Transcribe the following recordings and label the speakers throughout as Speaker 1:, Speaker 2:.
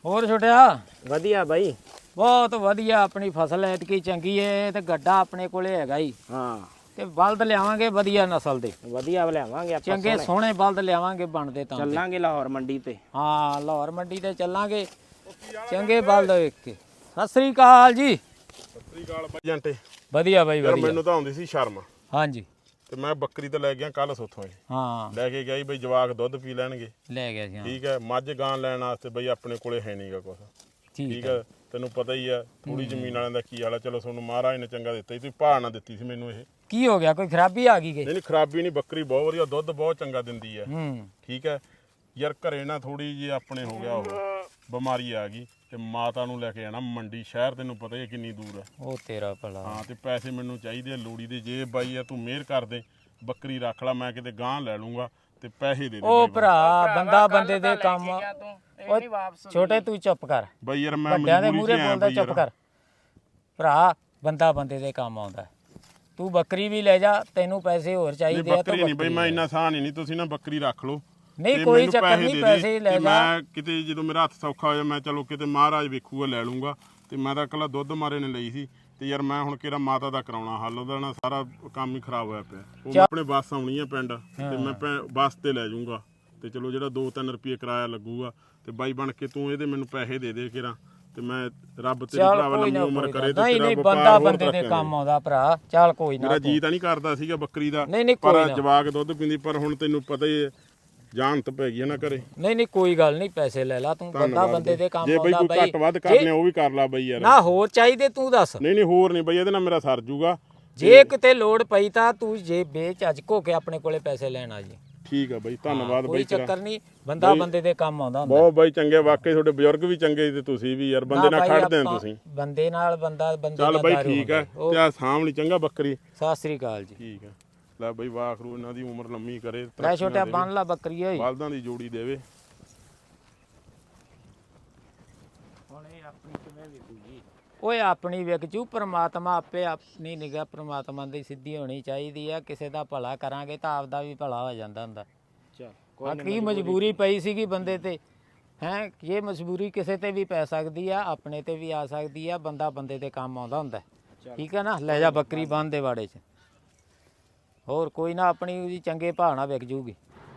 Speaker 1: ਹੋਰ ਛੋਟਿਆ
Speaker 2: ਵਧੀਆ ਬਾਈ।
Speaker 1: ਬਹੁਤ ਵਧੀਆ। ਆਪਣੀ ਫਸਲ ਐਤਕੀ ਚੰਗੀ ਏ ਤੇ ਗੱਡਾ ਆਪਣੇ ਕੋਲੇ ਹੈਗਾ ਹੀ।
Speaker 2: ਹਾਂ
Speaker 1: ਤੇ ਬਲਦ ਲਿਆਵਾਂਗੇ ਵਧੀਆ ਨਸਲ ਦੇ,
Speaker 2: ਵਧੀਆ ਲਿਆਵਾਂਗੇ ਆਪਾਂ।
Speaker 1: ਚੰਗੇ ਸੋਹਣੇ ਬਲਦ ਲਿਆਵਾਂਗੇ ਬਣਦੇ ਤਾਂ।
Speaker 2: ਚੱਲਾਂਗੇ ਲਾਹੌਰ ਮੰਡੀ ਤੇ।
Speaker 1: ਹਾਂ ਲਾਹੌਰ ਮੰਡੀ ਤੇ ਚੱਲਾਂਗੇ, ਚੰਗੇ ਬਲਦ ਵੇਖ ਕੇ। ਸਤਿ ਸ੍ਰੀ ਅਕਾਲ ਜੀ।
Speaker 3: ਸਤਿ ਸ੍ਰੀ ਅਕਾਲ ਬਾਈ ਜੰਟੇ।
Speaker 1: ਵਧੀਆ ਬਾਈ
Speaker 3: ਯਾਰ
Speaker 1: ਵਧੀਆ।
Speaker 3: ਮੈਨੂੰ ਤਾਂ ਆਉਂਦੀ ਸੀ ਸ਼ਰਮ,
Speaker 1: ਹਾਂਜੀ
Speaker 3: ਤੇ ਮੈਂ ਬੱਕਰੀ ਤੇ ਲੈ ਗਿਆ ਕੱਲ ਸੋਥੋਂ।
Speaker 1: ਹਾਂ
Speaker 3: ਲੈ ਕੇ ਗਿਆ ਬਈ ਜਵਾਕ ਦੁੱਧ ਪੀ ਲੈਣਗੇ।
Speaker 1: ਲੈ ਗਿਆ ਜੀ। ਹਾਂ
Speaker 3: ਠੀਕ ਹੈ, ਮੱਝ ਗਾਂ ਲੈਣ ਵਾਸਤੇ ਬਈ ਆਪਣੇ ਕੋਲੇ ਹੈ ਨਹੀਂਗਾ ਕੁਛ। ਠੀਕ ਹੈ, ਤੈਨੂੰ ਪਤਾ ਹੀ ਆ ਥੋੜੀ ਜ਼ਮੀਨ ਵਾਲਿਆਂ ਦਾ ਕੀ ਹਾਲ ਆ। ਚਲੋ ਤੁਹਾਨੂੰ ਮਹਾਰਾਜ ਨੇ ਚੰਗਾ ਦਿੱਤਾ ਸੀ, ਤੁਸੀਂ ਭਾਅ ਨਾ ਦਿੱਤੀ ਸੀ ਮੈਨੂੰ ਇਹ।
Speaker 1: ਕੀ ਹੋ ਗਿਆ, ਕੋਈ ਖਰਾਬੀ ਆ ਗਈ?
Speaker 3: ਨਹੀਂ ਖਰਾਬੀ ਨਹੀਂ, ਬੱਕਰੀ ਬਹੁਤ ਵਧੀਆ, ਦੁੱਧ ਬਹੁਤ ਚੰਗਾ ਦਿੰਦੀ ਆ।
Speaker 1: ਹੂੰ
Speaker 3: ਠੀਕ ਹੈ ਯਾਰ, ਘਰੇ ਨਾ ਥੋੜੀ ਜਿਹੀ ਆਪਣੇ ਹੋ ਗਿਆ ਉਹ ਬਿਮਾਰੀ ਆ ਗਈ, ਤੇ ਮਾਤਾ ਨੂੰ ਲੈ ਕੇ ਜਾਣਾ ਮੰਡੀ ਸ਼ਹਿਰ। ਤੈਨੂੰ ਪਤਾ ਹੀ ਕਿੰਨੀ ਦੂਰ ਆ।
Speaker 1: ਉਹ ਤੇਰਾ ਭਲਾ।
Speaker 3: ਹਾਂ, ਤੇ ਪੈਸੇ ਮੈਨੂੰ ਚਾਹੀਦੇ ਆ ਲੋੜੀ ਦੇ। ਜੇ ਬਾਈ ਆ ਤੂੰ ਮਿਹਰ ਕਰ ਦੇ, ਬੱਕਰੀ ਰੱਖ ਲੈ, ਮੈਂ ਕਿਤੇ ਗਾਂ ਲੈ ਲੂੰਗਾ ਤੇ ਪੈਸੇ ਦੇ ਦੇ।
Speaker 1: ਉਹ ਭਰਾ ਬੰਦਾ ਬੰਦੇ ਦੇ ਕੰਮ। ਛੋਟੇ ਤੂੰ ਚੁੱਪ ਕਰ
Speaker 3: ਬਾਈ ਯਾਰ ਮੈਂ
Speaker 1: ਵੱਡਿਆਂ ਦੇ ਮੂਹਰੇ ਬੋਲਦਾ, ਚੁੱਪ ਕਰ ਭਰਾ। ਬੰਦਾ ਬੰਦੇ ਦੇ ਕੰਮ ਆਉਂਦਾ। ਤੂੰ ਬੱਕਰੀ ਵੀ ਲੈ ਜਾ, ਤੈਨੂੰ ਪੈਸੇ ਹੋਰ ਚਾਹੀਦੇ ਆ ਤਾਂ
Speaker 3: ਬੱਕਰੀ ਨਹੀਂ ਬਈ, ਮੈਂ ਇੰਨਾ ਸਾਨ ਹੀ ਨਹੀਂ। ਤੁਸੀਂ ਨਾ ਬੱਕਰੀ ਰੱਖ ਲਓ।
Speaker 1: ਨਹੀਂ ਕੋਈ ਚੱਕਰ ਨਹੀਂ, ਪੈਸੇ ਲੈ ਜਾ।
Speaker 3: ਮੈਂ ਕਿਤੇ ਜਦੋਂ ਮੇਰਾ ਹੱਥ ਸੌਖਾ ਹੋ ਜਾ, ਮੈਂ ਚਲੋ ਕਿਤੇ ਮਹਾਰਾਜ ਵੇਖੂਗਾ ਲੈ ਲੂੰਗਾ। ਤੇ ਮੈਂ ਤਾਂ ਇਕੱਲਾ ਦੁੱਧ ਮਾਰੇ ਨੇ ਲਈ ਸੀ। ਤੇ ਯਾਰ ਮੈਂ ਹੁਣ ਕਿਹੜਾ ਮਾਤਾ ਦਾ ਕਰਾਉਣਾ ਹੱਲ, ਉਹਦਾ ਨਾ ਸਾਰਾ ਕੰਮ ਹੀ ਖਰਾਬ ਹੋਇਆ ਪਿਆ। ਉਹ ਆਪਣੇ ਬੱਸ ਆਉਣੀ ਹੈ ਪਿੰਡ, ਤੇ ਮੈਂ ਬੱਸ ਤੇ ਲੈ ਜਾਊਂਗਾ। ਤੇ ਚਲੋ ਜਿਹੜਾ 2-3 ਰੁਪਏ ਕਿਰਾਇਆ ਲੱਗੂਗਾ, ਤੇ ਬਾਈ ਬਣ ਕੇ ਤੂੰ ਇਹਦੇ ਮੈਨੂੰ ਪੈਸੇ ਦੇ ਦੇ ਕਿਰਾ। ਤੇ ਮੈਂ ਰੱਬ ਤੇਰੀ ਭਰਾਵਾ ਲੰਮੀ ਉਮਰ ਕਰੇ ਤੇ ਤੇਰਾ
Speaker 1: ਬੰਦਾ ਬੰਦੇ ਦੇ ਕੰਮ ਆਉਂਦਾ ਭਰਾ। ਚੱਲ ਕੋਈ ਨਾ,
Speaker 3: ਮੇਰਾ ਜੀ ਤਾਂ ਨਹੀਂ ਕਰਦਾ ਸੀਗਾ ਬੱਕਰੀ ਦਾ,
Speaker 1: ਨਹੀਂ
Speaker 3: ਪਰ ਜਵਾਕ ਦੁੱਧ ਪੀਂਦੀ। ਪਰ ਹੁਣ ਤੈਨੂੰ ਪਤਾ ਹੀ ਹੈ ਜਾਨ ਤਾਂ ਪੈ ਗਈ ਨਾ ਘਰੇ।
Speaker 1: ਨਹੀਂ ਕੋਈ ਗੱਲ ਨਹੀਂ, ਪੈਸੇ ਲੈ ਲਾ ਤੂੰ। ਬੰਦਾ ਬੰਦੇ ਦੇ ਕੰਮ
Speaker 3: ਜੇ ਬਈ ਕੋਈ ਘੱਟ ਵੱਧ ਕਰਨੇ ਉਹ ਵੀ ਕਰ ਲਾ ਬਈ ਯਾਰ।
Speaker 1: ਨਾ ਹੋਰ ਚਾਹੀਦੇ ਤੂੰ ਦੱਸ।
Speaker 3: ਨਹੀਂ ਹੋਰ ਨਹੀਂ ਬਈ, ਇਹਦੇ ਨਾਲ ਮੇਰਾ ਸਰ ਜੂਗਾ।
Speaker 1: ਜੇ ਕਿਤੇ ਲੋੜ ਪਈ ਤਾਂ ਤੂੰ ਜੇ ਬੇਝਿਜਕ ਹੋ ਕੇ ਆਪਣੇ ਕੋਲੇ ਪੈਸੇ ਲੈਣ ਆ ਜੀ।
Speaker 3: ਠੀਕ ਆ ਬਈ, ਧੰਨਵਾਦ
Speaker 1: ਕੋਈ
Speaker 3: ਬਈ ਤੇਰਾ।
Speaker 1: ਚੱਕਰ ਨਹੀਂ, ਬੰਦਾ ਬੰਦੇ ਦੇ ਕੰਮ ਆਉਂਦਾ ਹੁੰਦਾ।
Speaker 3: ਬਹੁਤ ਬਾਈ ਚੰਗੇ, ਵਾਕਈ ਤੁਹਾਡੇ ਬਜ਼ੁਰਗ ਵੀ ਚੰਗੇ ਤੇ ਤੁਸੀਂ ਵੀ ਯਾਰ ਬੰਦੇ ਨਾਲ ਖੜਦੇ ਆ ਤੁਸੀਂ।
Speaker 1: ਬੰਦੇ ਨਾਲ ਬੰਦਾ ਬੰਦੇ
Speaker 3: ਚੱਲ ਬਾਈ ਠੀਕ ਆ, ਤੇ ਆ ਸਾਹਮਣੇ ਚੰਗਾ ਬੱਕਰੀ।
Speaker 1: ਸਤਿ ਸ੍ਰੀ ਅਕਾਲ ਜੀ।
Speaker 3: ਠੀਕ ਆ, ਲੈ ਬਾਈ ਵਾਖਰੂ ਇਹਨਾਂ ਦੀ ਉਮਰ ਲੰਮੀ ਕਰੇ।
Speaker 1: ਲੈ ਛੋਟਿਆ ਬੰਨ ਲਾ ਬੱਕਰੀ ਓਏ।
Speaker 3: ਬਲਦਾਂ ਦੀ ਜੋੜੀ ਦੇਵੇ।
Speaker 2: ਹੁਣ ਇਹ ਆਪਣੀ ਕਿਵੇਂ ਵਿਕੂਗੀ?
Speaker 1: ਓਏ ਆਪਣੀ ਵਿਕ ਜੂ। ਪ੍ਰਮਾਤਮਾ ਆਪੇ ਆਪਣੀ ਨਿਗਾਹ ਪ੍ਰਮਾਤਮਾ ਦੀ ਸਿੱਧੀ ਹੋਣੀ ਚਾਹੀਦੀ ਆ। ਕਿਸੇ ਦਾ ਭਲਾ ਕਰਾਂਗੇ ਤਾਂ ਆਪਦਾ ਵੀ ਭਲਾ ਹੋ ਜਾਂਦਾ ਹੁੰਦਾ।
Speaker 2: ਚੱਲ
Speaker 1: ਕੀ ਮਜਬੂਰੀ ਪਈ ਸੀਗੀ ਬੰਦੇ ਤੇ ਹੈ। ਇਹ ਮਜਬੂਰੀ ਕਿਸੇ ਤੇ ਵੀ ਪੈ ਸਕਦੀ ਆ, ਆਪਣੇ ਤੇ ਵੀ ਆ ਸਕਦੀ ਆ। ਬੰਦਾ ਬੰਦੇ ਦੇ ਕੰਮ ਆਉਂਦਾ ਹੁੰਦਾ। ਠੀਕ ਹੈ ਨਾ, ਲੈ ਜਾ ਬੱਕਰੀ ਬੰਨ ਦੇ ਵਾੜੇ 'ਚ। ਹੋਰ ਕੋਈ ਨਾ, ਆਪਣੀ ਉਹਦੀ ਚੰਗੇ ਭਾਅ ਨਾਲ ਵਿਕ ਜੂਗੀ।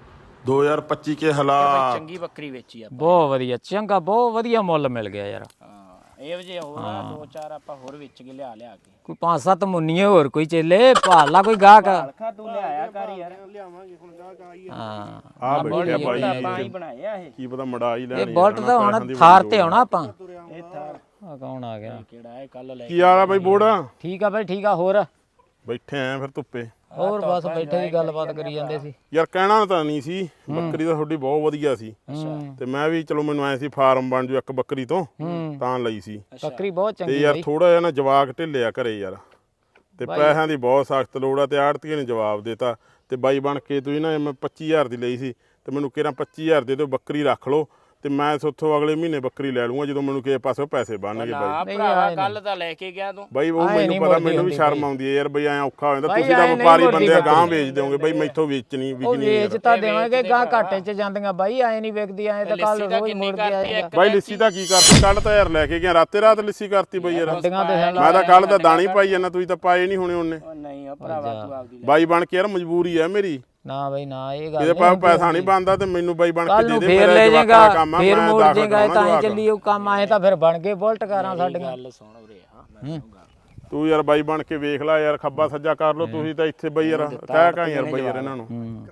Speaker 3: 2025 ਕੇ ਹਾਲਾਤ।
Speaker 2: ਚੰਗੀ ਬੱਕਰੀ ਵੇਚੀ ਆ।
Speaker 1: ਬਹੁਤ ਵਧੀਆ, ਚੰਗਾ ਬਹੁਤ ਵਧੀਆ ਮੁੱਲ ਮਿਲ ਗਿਆ ਯਾਰ।
Speaker 2: ਇਹ ਵਜੇ ਹੋਰ 2-4 ਆਪਾਂ ਹੋਰ ਵੇਚ ਕੇ ਲਿਆ ਕੇ।
Speaker 1: ਕੋਈ 5-7 ਮੁੰਨੀਏ ਹੋਰ ਕੋਈ ਚੇਲੇ ਭਾਲ ਲਾ, ਕੋਈ ਗਾਹਕ।
Speaker 2: ਹਲਕਾ ਤੂੰ ਲਿਆਇਆ ਕਰ ਯਾਰ।
Speaker 4: ਲਿਆਵਾਂਗੇ ਹੁਣ ਗਾਹਕ ਆਈ।
Speaker 1: ਹਾਂ
Speaker 3: ਆ ਬੈਠਿਆ ਬਾਈ,
Speaker 2: ਆਪਾਂ ਹੀ ਬਣਾਏ ਆ ਇਹ।
Speaker 3: ਕੀ ਪਤਾ ਮੜਾ ਹੀ ਲੈਣੀ।
Speaker 1: ਇਹ ਬੁਲਟ ਤਾਂ ਹੁਣ ਥਾਰ ਤੇ ਆਉਣਾ ਆਪਾਂ।
Speaker 2: ਇਹ ਥਾਰ
Speaker 1: ਆ ਕੌਣ ਆ ਗਿਆ?
Speaker 2: ਕਿਹੜਾ ਇਹ ਕੱਲ ਲੈ
Speaker 3: ਕੀ ਹਾਲ ਆ ਬਾਈ ਬੋੜਾ?
Speaker 1: ਠੀਕ ਆ ਬਾਈ, ਠੀਕ ਆ। ਹੋਰ
Speaker 3: ਬੈਠੇ ਆ ਫਿਰ ਧੁੱਪੇ।
Speaker 1: ਹੋਰ ਬਸ ਬੈਠੇ ਦੀ ਗੱਲਬਾਤ ਕਰੀ ਜਾਂਦੇ ਸੀ।
Speaker 3: ਯਾਰ ਕਹਿਣਾ ਤਾਂ ਨਹੀਂ ਸੀ, ਬੱਕਰੀ ਤਾਂ ਤੁਹਾਡੀ ਬਹੁਤ ਵਧੀਆ ਸੀ। ਤੇ ਮੈਂ ਵੀ ਚਲੋ ਮੈਨੂੰ ਐ ਸੀ ਫਾਰਮ ਬਣ ਜੂ ਇੱਕ ਬੱਕਰੀ ਤੋਂ, ਤਾਂ ਲਈ ਸੀ।
Speaker 1: ਬੱਕਰੀ ਬਹੁਤ
Speaker 3: ਤੇ
Speaker 1: ਚੰਗੀ
Speaker 3: ਯਾਰ ਥੋੜਾ ਜਿਹਾ ਨਾ ਜਵਾਕ ਢਿੱਲਿਆ ਘਰੇ ਯਾਰ, ਤੇ ਪੈਸਿਆਂ ਦੀ ਬਹੁਤ ਸਖਤ ਲੋੜ ਆ। ਤੇ ਆੜਤੀਏ ਨੇ ਜਵਾਬ ਦੇਤਾ। ਤੇ ਬਾਈ ਬਣ ਕੇ ਤੁਸੀਂ ਨਾ, ਮੈਂ 25000 ਦੀ ਲਈ ਸੀ, ਤੇ ਮੈਨੂੰ ਕਿਹਾ 25000 ਦੇ ਦਿਓ, ਬੱਕਰੀ ਰੱਖ ਲਓ, ਤੇ ਮੈਂ ਉੱਥੋਂ ਅਗਲੇ ਮਹੀਨੇ ਬੱਕਰੀ ਲੈ ਲੂੰਗਾ ਜਦੋਂ ਮੈਨੂੰ ਕਿਸੇ ਪਾਸੋਂ ਪੈਸੇ ਬਣਨਗੇ। ਬਾਈ
Speaker 2: ਭਰਾਵਾ ਕੱਲ ਤਾਂ ਲੈ ਕੇ ਗਿਆ ਤੂੰ।
Speaker 3: ਬਾਈ ਉਹ ਮੈਨੂੰ ਪਤਾ, ਮੈਨੂੰ ਵੀ ਸ਼ਰਮ ਆਉਂਦੀ ਹੈ ਯਾਰ। ਬਈ ਐ ਔਖਾ ਹੋ ਜਾਂਦਾ। ਤੁਸੀਂ ਤਾਂ ਵਪਾਰੀ ਬੰਦੇ ਆ, ਗਾਂ ਵੇਚ ਦਿਓਗੇ ਬਈ, ਮੈਥੋਂ ਵਿਕਣੀ
Speaker 1: ਵੇਚ ਤਾਂ ਦੇਵਾਂਗੇ। ਗਾਂ ਘਾਟੇ 'ਚ ਜਾਂਦੀਆਂ ਬਾਈ, ਐ ਨਹੀਂ ਵਿਕਦੀ। ਐ ਤਾਂ ਕੱਲ ਰੋਜ਼ ਮੁੜ ਕੇ ਆਏਗਾ।
Speaker 3: ਬਾਈ ਲਿੱਸੀ ਦਾ ਕੀ ਕਰਤੀ? ਕੱਲ ਤਾਂ ਯਾਰ ਲੈ ਕੇ ਗਿਆ, ਰਾਤੇ ਰਾਤ ਲਿੱਸੀ ਕਰਤੀ ਬਈ ਯਾਰ।
Speaker 1: ਗੱਡੀਆਂ ਤੇ
Speaker 3: ਮੈਂ ਤਾਂ ਕੱਲ ਤਾਂ ਦਾਣੀ ਪਾਈ ਜਾਂਦਾ, ਤੁਸੀਂ ਤਾਂ ਪਾਏ ਨਹੀਂ ਹੋਣੇ ਉਹਨੇ।
Speaker 2: ਨਹੀਂ ਆ ਭਰਾਵਾ, ਤੂੰ ਆਪਦੀ
Speaker 3: ਬਾਈ ਬਣ ਕੇ ਯਾਰ ਮਜਬੂਰੀ ਆ ਮੇਰੀ।
Speaker 1: ਨਾ ਬਈ ਨਾ, ਇਹ ਗੱਲ
Speaker 3: ਇਹਦੇ ਪਾਸ ਪੈਸਾ ਨਹੀਂ ਬਣਦਾ, ਤੇ ਮੈਨੂੰ ਬਾਈ ਬਣ ਕੇ ਦੇ ਦੇ।
Speaker 1: ਫੇਰ ਲੈ ਜਾਏਗਾ, ਫੇਰ ਮੋੜ ਜਾਏਗਾ, ਤਾਂ ਹੀ ਚੱਲੀ ਉਹ ਕੰਮ। ਆਏ ਤਾਂ ਫਿਰ ਬਣ ਗਏ ਬੁਲਟ ਕਾਰਾਂ ਸਾਡੀਆਂ।
Speaker 2: ਗੱਲ ਸੁਣ ਉਰੇ ਹਾਂ।
Speaker 3: ਤੂੰ ਯਾਰ ਬਾਈ ਬਣ ਕੇ ਵੇਖ ਲੈ ਯਾਰ, ਖੱਬਾ ਸੱਜਾ ਕਰ ਲੋ ਤੁਸੀਂ ਤਾਂ ਇੱਥੇ ਬਈ ਯਾਰ। ਕਹਿ ਕਾ ਯਾਰ ਬਈ ਯਾਰ ਇਹਨਾਂ ਨੂੰ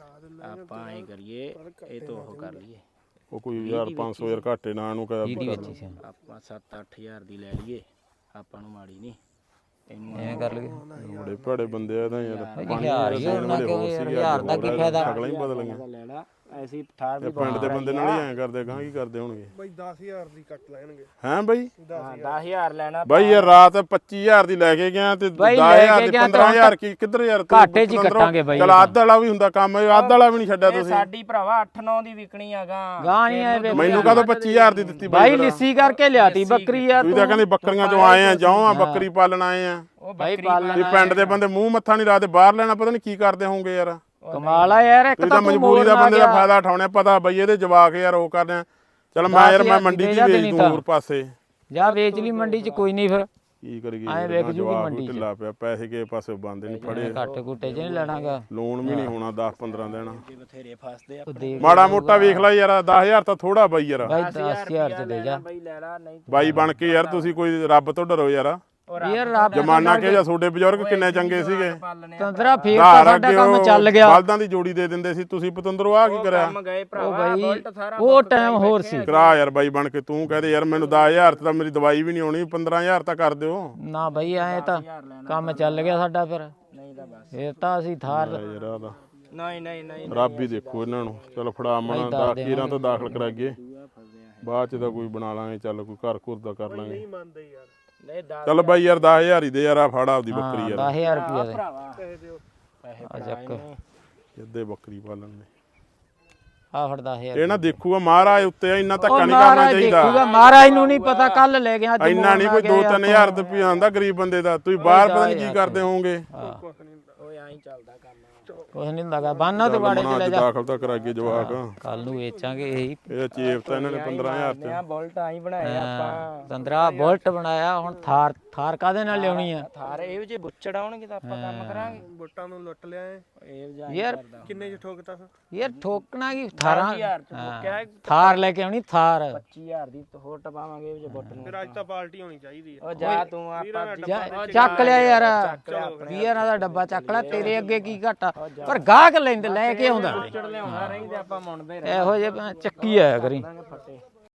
Speaker 2: ਆਪਾਂ ਐ ਕਰੀਏ, ਇਹ ਤੋਂ ਉਹ ਕਰ ਲਈਏ।
Speaker 3: ਉਹ ਕੋਈ ਯਾਰ 500 ਯਾਰ ਘਾਟੇ ਨਾ ਇਹਨੂੰ ਕਹਿ।
Speaker 2: ਆਪਾਂ 7-8000 ਦੀ ਲੈ ਲਈਏ, ਆਪਾਂ ਨੂੰ ਮਾੜੀ ਨਹੀਂ।
Speaker 1: ਐਵੇਂ ਕਰ ਲਈਏ।
Speaker 3: ਬੜੇ ਭੜੇ ਬੰਦੇ ਆ ਤਾਂ ਯਾਰ।
Speaker 1: ਹਜ਼ਾਰ ਹੀ ਹੋਣਾ, ਕਿਉਂ ਯਾਰ? ਹਜ਼ਾਰ ਦਾ ਕੀ ਫਾਇਦਾ?
Speaker 3: ਅਗਲਾ ਹੀ ਬਦਲ ਗਈਆਂ।
Speaker 2: ਲੈ ਲਾ ਐਸੀ ਠਾਰ ਵੀ।
Speaker 3: ਪਿੰਡ ਦੇ ਬੰਦੇ ਨਾਲ ਹੀ ਐਂ ਕਰਦੇ, ਗਾਂ ਕੀ ਕਰਦੇ ਹੋਣਗੇ
Speaker 4: ਬਾਈ 10000 ਦੀ ਕੱਟ ਲੈਣਗੇ।
Speaker 3: ਹੈਂ ਬਈ?
Speaker 2: 10000 ਲੈਣਾ
Speaker 3: ਬਾਈ ਯਾਰ ਰਾਤ 25000 ਦੀ ਲੈ ਕੇ ਗਿਆ, ਤੇ 10000 ਦੀ 15000 ਕੀ ਕਿੱਧਰ ਯਾਰ?
Speaker 1: ਘਾਟੇ 'ਚ ਹੀ ਕੱਟਾਂਗੇ ਬਾਈ।
Speaker 3: ਚਲ ਅੱਧ ਵਾਲਾ ਵੀ ਹੁੰਦਾ ਕੰਮ, ਅੱਧ ਵਾਲਾ ਵੀ ਨਹੀਂ ਛੱਡਿਆ ਤੁਸੀਂ।
Speaker 2: ਸਾਡੀ ਭਰਾਵਾ 8-9 ਦੀ ਵਿਕਣੀ ਆ ਗਾਂ।
Speaker 1: ਗਾਂ ਨਹੀਂ ਆਏ
Speaker 3: ਮੈਨੂੰ ਕਦੋਂ 25000 ਦੀ ਦਿੱਤੀ
Speaker 1: ਬਾਈ? ਲਿੱਸੀ ਕਰਕੇ ਲਿਆਤੀ ਬੱਕਰੀ ਯਾਰ।
Speaker 3: ਤੁਸੀਂ ਤਾਂ ਕਹਿੰਦੇ ਬੱਕਰੀਆਂ ਚੋਂ ਆਏ ਆ, ਜਾਓ ਆ ਬੱਕਰੀ ਪਾਲਣ ਆਏ ਆ।
Speaker 2: ਉਹ
Speaker 1: ਬਾਈ
Speaker 3: ਇਹ ਪਿੰਡ ਦੇ ਬੰਦੇ ਮੂੰਹ ਮੱਥਾ ਨਹੀਂ ਲਾਦੇ, ਬਾਹਰ ਲੈਣਾ ਪਤਾ ਨਹੀਂ ਕੀ ਕਰਦੇ ਹੋਣਗੇ ਯਾਰ।
Speaker 1: ਕਮਾਲ ਆ ਯਾਰ। ਇੱਕ
Speaker 3: ਤੁਸੀਂ
Speaker 1: ਤਾਂ
Speaker 3: ਤਾਂ ਮਜਬੂਰੀ ਦਾ ਬੰਦੇ ਦਾ ਫਾਇਦਾ ਉਠਾਉਣੇ। ਪਤਾ ਬਈ ਇਹਦੇ ਜਵਾਕ ਯਾਰ ਉਹ ਕਰਦੇ ਆ, ਚਲ ਮੈਂ ਯਾਰ
Speaker 1: 10,000
Speaker 3: ਮੈਂ ਮੰਡੀ
Speaker 1: ਦੇ
Speaker 3: ਦੀ
Speaker 1: ਜਾ
Speaker 3: ਵੇਚ
Speaker 1: ਦੇਣੀ
Speaker 3: ਦੂੰ
Speaker 1: ਤਾਂ।
Speaker 3: ਹੋਰ ਪਾਸੇ
Speaker 1: ਜਾ ਵੇਚ ਲਈ ਮੰਡੀ 'ਚ ਕੋਈ ਨਹੀਂ ਫਿਰ
Speaker 3: ਕੀ ਕਰੀਏ
Speaker 1: ਐਂ ਵਿਕ ਜੂਗੀ
Speaker 3: ਜਵਾਕ
Speaker 1: ਮੰਡੀ 'ਚ।
Speaker 3: ਢਿੱਲਾ ਪਿਆ ਪੈਸੇ ਕਿਸੇ ਪਾਸੇ ਬੰਦੇ ਨਹੀਂ ਫੜੇ
Speaker 1: ਘੱਟ ਘੁੱਟੇ 'ਚ ਨਹੀਂ ਲੈਣਾਗਾ
Speaker 3: ਲੋਨ ਵੀ ਨਹੀਂ ਹੋਣਾ 10-15 ਦੇਣਾ
Speaker 2: ਬਥੇਰੇ ਫਸਦੇ ਆ
Speaker 1: ਉਹ ਦੇ
Speaker 3: ਮਾੜਾ ਮੋਟਾ ਵੇਖ ਲੈ ਯਾਰ 10000 ਤਾਂ ਥੋੜਾ ਬਾਈ ਯਾਰ
Speaker 1: ਬਾਈ 10000 'ਚ ਦੇ ਜਾ
Speaker 2: ਬਈ ਲੈ ਲਾ ਨਹੀਂ
Speaker 3: ਬਾਈ ਬਣ ਕੇ ਯਾਰ ਤੁਸੀਂ ਕੋਈ ਰੱਬ ਤੋਂ ਡਰੋ ਯਾਰ
Speaker 1: ਯਾਰ ਰੱਬ
Speaker 3: ਜਮਾਨਾ ਕਿ ਜਾਂ ਤੁਹਾਡੇ ਬਜ਼ੁਰਗ ਕਿੰਨੇ ਚੰਗੇ ਸੀਗੇ
Speaker 2: ਪਾਲਣੇ
Speaker 1: ਤੰਦਰਾ ਫੇਰ ਤਾਂ ਸਾਡਾ ਕੰਮ ਚੱਲ ਗਿਆ
Speaker 3: ਬਲਦਾਂ ਦੀ ਜੋੜੀ ਦੇ ਦਿੰਦੇ ਸੀ ਤੁਸੀਂ ਪਤੰਦਰੋ ਆ ਕੀ ਕਰਿਆ
Speaker 2: ਕੰਮ ਗਏ
Speaker 1: ਉਹ
Speaker 2: ਭਰਾਵਾ
Speaker 1: ਬਾਈ
Speaker 2: ਬੁਲਟ ਸਾਰਾ
Speaker 1: ਉਹ ਟਾਈਮ ਹੋਰ ਸੀ
Speaker 3: ਕਰਾ ਯਾਰ ਬਾਈ ਬਣ ਕੇ ਤੂੰ ਕਹਦੇ ਯਾਰ ਮੈਨੂੰ 10000 ਤੇ ਤਾਂ ਮੇਰੀ ਦਵਾਈ ਵੀ ਨਹੀਂ ਆਉਣੀ 15000 ਤਾਂ ਕਰ ਦਿਓ
Speaker 1: ਨਾ ਬਾਈ ਐ ਤਾਂ ਕੰਮ ਚੱਲ ਗਿਆ ਸਾਡਾ ਫਿਰ
Speaker 2: ਨਹੀਂ ਤਾਂ ਬਸ
Speaker 1: ਫੇਰ ਤਾਂ ਅਸੀਂ ਥਾਰ
Speaker 3: ਯਾਰ ਆ ਤਾਂ
Speaker 2: ਨਹੀਂ ਨਹੀਂ ਨਹੀਂ
Speaker 3: ਰੱਬ ਹੀ ਦੇਖੋ ਇਹਨਾਂ ਨੂੰ ਚਲ ਫੜਾ ਮਣਾ ਦਾਖੀਰਾਂ ਤੋਂ ਦਾਖਲ ਕਰਾਈਏ ਬਾਅਦ ਚ ਤਾਂ ਕੋਈ ਬਣਾ ਲਾਂਗੇ ਚੱਲ ਕੋਈ ਘਰ ਘੁਰ ਦਾ ਕਰ ਲਾਂਗੇ
Speaker 4: ਮੰਨਦੇ ਯਾਰ
Speaker 2: ਨਹੀਂ ਦਾ
Speaker 3: ਚੱਲ ਬਾਈ ਯਾਰ 10000 ਹੀ ਦੇ ਯਾਰ ਆ ਫੜ ਆਪਦੀ ਬੱਕਰੀ ਯਾਰ
Speaker 1: 10000 ਰੁਪਏ ਦੇ
Speaker 2: ਭਰਾਵਾ
Speaker 4: ਪੈਸੇ ਦਿਓ
Speaker 2: ਪੈਸੇ
Speaker 1: ਆ ਚੱਕ
Speaker 3: ਜਿੱਦੇ ਬੱਕਰੀ ਪਾਲਣ ਦੇ
Speaker 1: ਆ ਫੜ 10000
Speaker 3: ਇਹ ਨਾ ਦੇਖੂਗਾ ਮਹਾਰਾਜ ਉੱਤੇ ਇੰਨਾ ਧੱਕਾ
Speaker 1: ਉਹ
Speaker 3: ਨਹੀਂ ਕਰਨਾ
Speaker 1: ਮਹਾਰਾਜ
Speaker 3: ਚਾਹੀਦਾ
Speaker 1: ਦੇਖੂਗਾ ਮਹਾਰਾਜ ਨੂੰ ਨਹੀਂ ਪਤਾ ਕੱਲ ਲੈ ਗਿਆ ਅੱਜ
Speaker 3: ਇੰਨਾ ਨਹੀਂ ਕੋਈ 2-3000 ਰੁਪਏ ਆਉਂਦਾ ਗਰੀਬ ਬੰਦੇ ਦਾ ਤੁਸੀਂ ਬਾਹਰ ਪਤਾ ਨਹੀਂ ਕੀ ਕਰਦੇ ਹੋਵੋਗੇ
Speaker 4: ਕੁਛ ਨਹੀਂ ਹੁੰਦਾ
Speaker 2: ਓਏ ਐਂ ਚੱਲਦਾ ਕੰਮ
Speaker 1: ਕੁਛ ਨਹੀਂ ਹੁੰਦਾਗਾ ਬਾਨਾ ਤੇ ਬਾੜੇ ਚ
Speaker 3: ਮਨਾ
Speaker 1: ਲੈ
Speaker 3: ਅੱਜ
Speaker 1: ਜਾ
Speaker 3: ਦਾਖਲ ਤਾਂ ਕਰਾਈਏ ਜਵਾਕ
Speaker 1: ਕੱਲ ਨੂੰ ਵੇਚਾਂਗੇ ਇਹੀ
Speaker 3: ਇਹ ਚੇਪ ਤਾਂ ਇਹਨਾਂ ਨੇ 15000 ਚ
Speaker 2: ਆ ਬੁਲਟ ਆਈ ਬਣਾਏ ਆਪਾਂ
Speaker 1: ਤੰਦਰਾ ਬੁਲਟ ਬਣਾਇਆ ਹੁਣ ਥਾਰ ਕਾਦੇ ਨਾਲ ਲਿਆਉਣੀ ਆ
Speaker 2: ਥਾਰੇ ਇਹੋ ਜਿਹੇ ਬੁੱਚੜ ਆਉਣਗੇ ਤਾਂ ਆਪਾਂ ਕੰਮ ਕਰਾਂਗੇ
Speaker 4: ਬੁੱਟਾਂ ਨੂੰ ਲੁੱਟ ਲਿਆ ਏ
Speaker 2: ਇਹ ਜਾਂ
Speaker 1: ਯਾਰ
Speaker 4: ਕਿੰਨੇ ਚ ਠੋਕਤਾ ਫਿਰ
Speaker 1: ਯਾਰ ਠੋਕਣਾ ਕੀ ਥਾਰਾਂ
Speaker 2: 10,000 ਚ ਠੋਕਿਆ
Speaker 1: ਥਾਰ ਲੈ ਕੇ ਆਉਣੀ ਥਾਰ
Speaker 2: 25000 ਦੀ ਹੋਰ ਟਪਾਵਾਂਗੇ ਇਹ ਜੇ ਬੁੱਟ ਨੂੰ
Speaker 4: ਫਿਰ ਅੱਜ ਤਾਂ ਪਾਰਟੀ ਹੋਣੀ ਚਾਹੀਦੀ ਆ
Speaker 2: ਉਹ ਜਾ ਤੂੰ ਆਪਾਂ
Speaker 1: ਚੱਕ ਲਿਆ ਯਾਰ
Speaker 2: ਚਲੋ
Speaker 1: ਵੀਰਾਂ ਦਾ ਡੱਬਾ ਚੱਕ ਲੈ ਤੇਰੇ ਅੱਗੇ ਕੀ ਘਾਟਾ ਪਰ ਗਾਹਕ ਲੈਂਦੇ ਲੈ ਕੇ ਆਉਂਦਾ
Speaker 2: ਬੁੱਚੜ ਲਿਆਉਣਾ ਰਹੀ ਤੇ ਆਪਾਂ ਮੁੰਡੇ
Speaker 1: ਇਹੋ ਜਿਹੇ ਚੱਕੀ ਆਇਆ ਕਰੀ
Speaker 2: ਫੱਟੇ